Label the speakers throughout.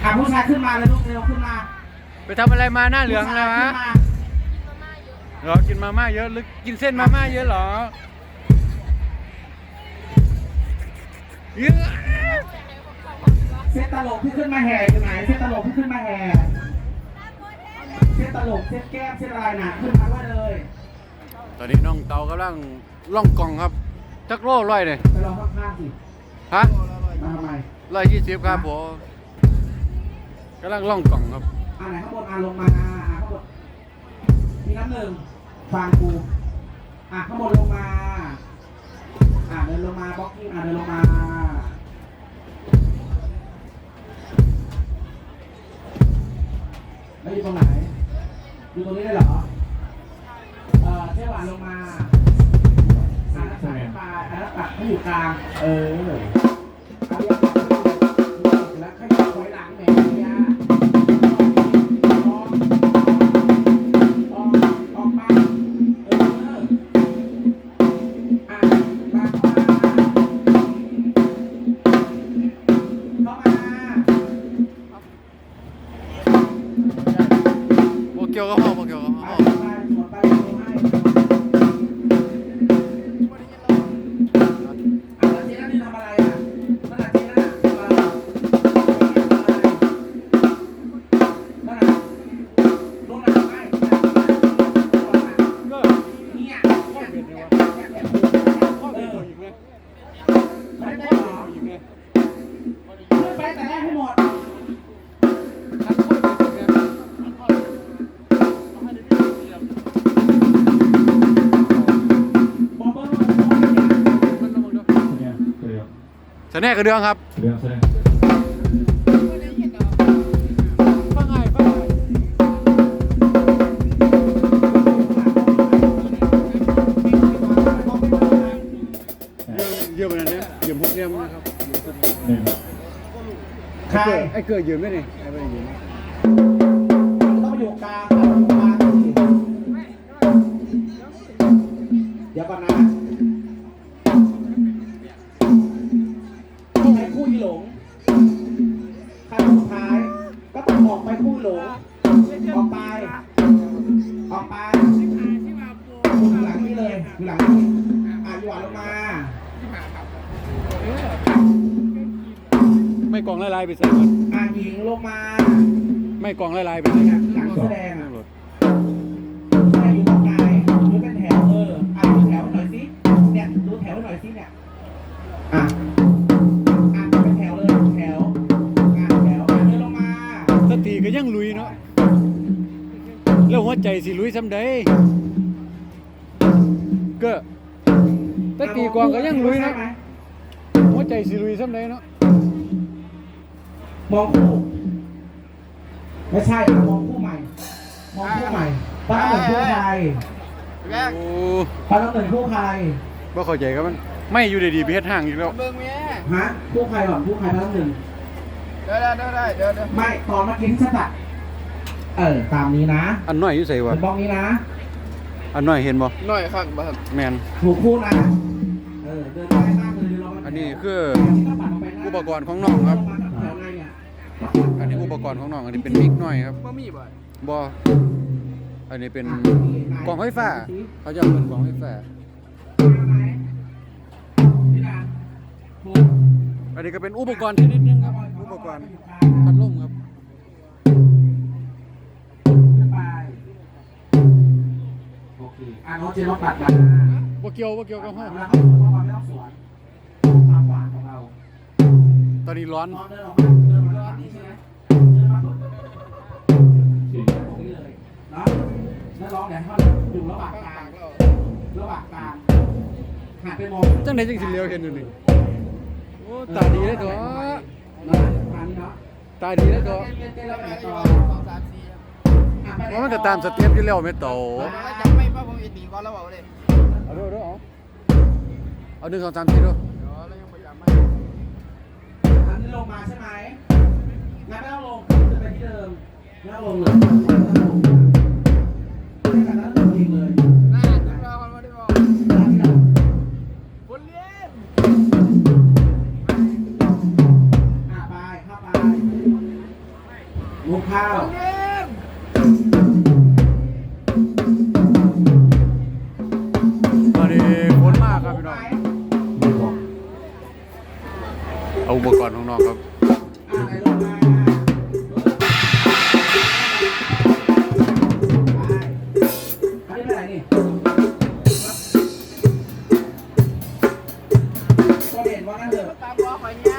Speaker 1: ผู้ชายขึ้นมาเลยลูกเร็วขึ้นมา
Speaker 2: ไปทำอะไรมาหน้าเหลืองนะฮะเหรอกินมาม่าเยอะหรือกินเส้นมาม่าเยอะเหรอเยอะ
Speaker 1: เส้นตลกที่ขึ้นมาแห่อยู่ไหนเส้นตลกที่ขึ้นมาแห่เส้นตลกเส้นแก้มเส้นอะไรน่ะขึ้นมาด้วยเลย
Speaker 2: ตอนนี้น้องเตากำลังล่องกล่องครับจักโลร้อยเลย
Speaker 1: ไปลองข้างๆสิ
Speaker 2: ฮะ
Speaker 1: มาทำไม
Speaker 2: 120ครับผมกำลังล่องกล่องครับ
Speaker 1: ไหนข้างบนลงมาข้างบนมีน้ำหนึ่งฟังกูข้างบนลงมาเดินลงมาบล็อกกิ้งเดินลงมาแล้วอยู่ตรงไหนอยู่ตรงนี้ได้เหรอเจ้าหวานลงมารักษาไปแล้วตัดให้อยู่กลางเอาเรียกแล้วขยับไว้หลังแม่เนี่ยออกมา
Speaker 2: เกี่ยวกับห้องเกี่ยวกับห้อง
Speaker 1: ไปแต่แรกให้หมด
Speaker 2: เสน่ห์กระเดื่องครับ
Speaker 3: เรื่องเสน่ห์
Speaker 2: ฟังไงเยอะขนาดนี้ยืมพวกเนี้ยนะครับ
Speaker 1: ใคร
Speaker 2: ไอ้เกิดยืมไหมนี่ไอ้ไม่ยืม
Speaker 1: ต้องอยู่กลางเดี๋ยวก่อนนะใครคู่หลงใครสุดท้ายก็ต้องออกไปคู่หลงออกไปอยู่หลังนี้เลยอยู่หลังนี้อยู่หวานลงมา
Speaker 2: ไม่กองลายไปใส่ก่อน
Speaker 1: หญิงลงมา
Speaker 2: ไม่กองลายไปใส่
Speaker 1: หลังแสดงแสดงอยู่ตรงไหนดูเป็นแถวดูแถวหน่อยสิเนี่ยดูแถวหน่อยสิเนี่ยเป็นแถวเลยแถวเดินลงมา
Speaker 2: สติก็ยังลุยเนาะแล้วหัวใจสิลุยซ้ำใดก็ตะกี้กองก็ยังลุยนะหัวใจสิลุยซ้ำใดเนาะ
Speaker 1: มองคู่ไม่ใช่มองคู่ใหม่ป้าหนึ่งคู่ใครป้าหนึ่งคู่ใคร
Speaker 2: บ่เข้าใจครับมันไม่อยู่ดีๆไปเฮ็ดห้างอีกแล้ว
Speaker 1: ฮะคู่ใครก่อนคู่ใครป้าหนึ่ง
Speaker 3: เดี๋ยว
Speaker 1: ไม่ตอนเมื่อกี้ที่ฉันตัดตามนี้นะ
Speaker 2: อันน้อยอยู่ใส่วะ
Speaker 1: เป็นบ้องนี้นะ
Speaker 2: อันน้อยเห็นบ่
Speaker 3: น้อยครับ
Speaker 2: แมน
Speaker 1: ถูกคู่นะเดินได้มากเลย
Speaker 2: อันนี้คืออุปกรณ์ของน้องครับอันนี้อุปกรณ์ของน้องอันนี้เป็นมิกหน่อยครับบ่อันนี้เป็นกล่องไฟฟ้าเขาจะเป็นกล่องไฟฟ้าอันนี้ก็เป็นอุปกรณ์ชนิดนึงครับอุปกรณ์พัดลมครับ
Speaker 1: โอเคน้องเจนต้องตัดมา
Speaker 2: บ่เกี่ยวกับห้อง
Speaker 1: แล้วเขาบอกว่าไม่ต้องสวนความหวานของเรา
Speaker 2: ตอนนี้ร้อน
Speaker 1: เดินมาแล้วนี่ใช่ไหมเดินมาปุ๊บตรงนี้เลยเนาะแล้วร้องเนี่ยเขาอยู่ระหว่างกลางหันไปมอง
Speaker 2: จังไหนจังสิเลี้ยวเห็นอยู่นี่โอ้ตาดีเลยตัวตาดีเลยตัวว่ามันจะตามสเต็ปอยู่แล้วไม่โต
Speaker 3: จะไม่ป้าผมอีกตีก่อนแล้วบอกเลย
Speaker 2: เอาดูเอา1 2 3 4ดู
Speaker 1: อันนี้ลงมาใช่ไหมงั้นไม่ต้องลงจะไปที่เดิมไม่ต้องลงเลยไม่กันแล้วลงเองเลย
Speaker 3: เราคนมาได้บอกคนเลี้ยง
Speaker 1: ไปเข้าไปมุกข้าว
Speaker 2: ตอนนี้ฝนมากครับพี่น้องเอาอุปกรณ์ของน้องครับ
Speaker 1: อะไรลงมาอันนี้เป็นอะไรนี่ก็เด่นว่างั้นเถอะ
Speaker 3: ตามบอกไปเนี่ย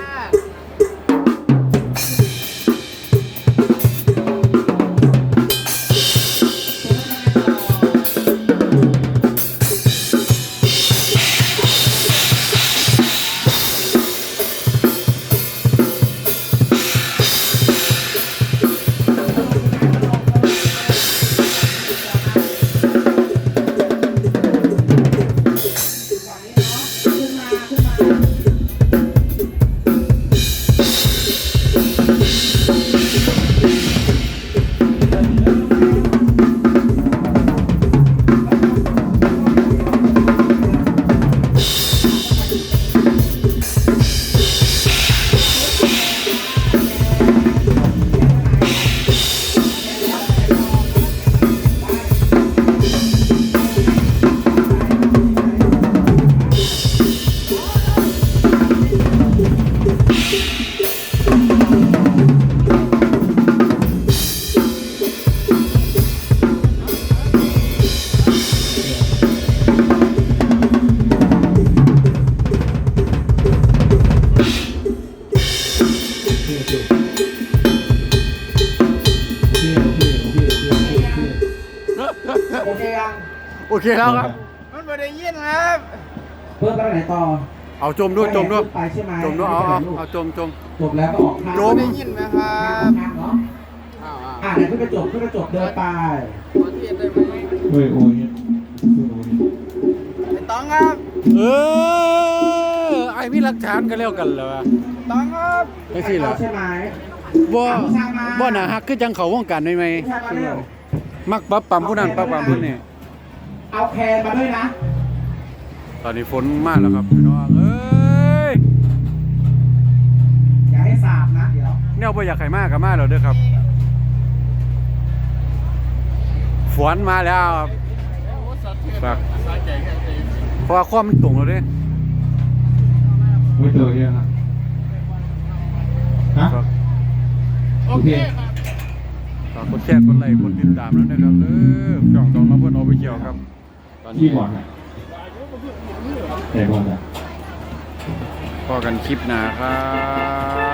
Speaker 1: โอเคยัง
Speaker 2: โอเคแล้วครับ
Speaker 3: มันไม่ได้ยินครับ
Speaker 1: เพิ่มไปไหนต่อ
Speaker 2: เอาจมด้วยจมด้วย
Speaker 1: ไปใช่ไหม
Speaker 2: จมด้วยเอาจม
Speaker 1: จบแล้วก็ออกข้าง
Speaker 2: จ
Speaker 3: ไม่
Speaker 2: ม
Speaker 3: ได้ยินไหมครั
Speaker 1: ข้าง
Speaker 3: บ
Speaker 1: เนาะ
Speaker 3: อ้าว
Speaker 1: อ่ะเดี๋ยวขึ้นกระจกเดินไป
Speaker 3: ขอเทียนได้ไหม
Speaker 4: โอ้ยโอ้ยเนี่ย
Speaker 3: ไม่ต้องครับ
Speaker 2: เออไอ้มีหลักฐานกันแล้วกันแล้ว
Speaker 3: ไม่ต้องครับ
Speaker 2: ไอ้สิล่ะ
Speaker 1: ใช่ไหม
Speaker 2: บ่น่าฮักคือจังเขาวงการได้ไหม
Speaker 1: ใช่มาเร็ว
Speaker 2: มักปั๊บปั๊มผู้นั้นปั๊บปั๊มผู้นี้
Speaker 1: เอาแคนมาด้วยนะ
Speaker 2: ตอนนี้ฝนมาแล้วครับพี่น้องเอ้ย
Speaker 1: อย่าให้สาบนะเดี๋ยว
Speaker 2: แนวบ่อยากให้มากก็มาแล้วเด้อครับฝนมาแล้วครับฝากเพราะว่าความมันตรงแล้วเด้
Speaker 4: ไม่เจอเนี่ยนะฮะ
Speaker 2: ฝาก
Speaker 4: โอเค
Speaker 2: ฝากกดแชร์กดไลค์กดติดตามแล้วนะครับช่องต้องรับเพื่อนเอาไปเกี่ยวครับตอน
Speaker 4: ที่
Speaker 2: นี้
Speaker 4: บอลอ่ะแต่บอลอ่ะ
Speaker 2: พอกันคลิปหน้าครับ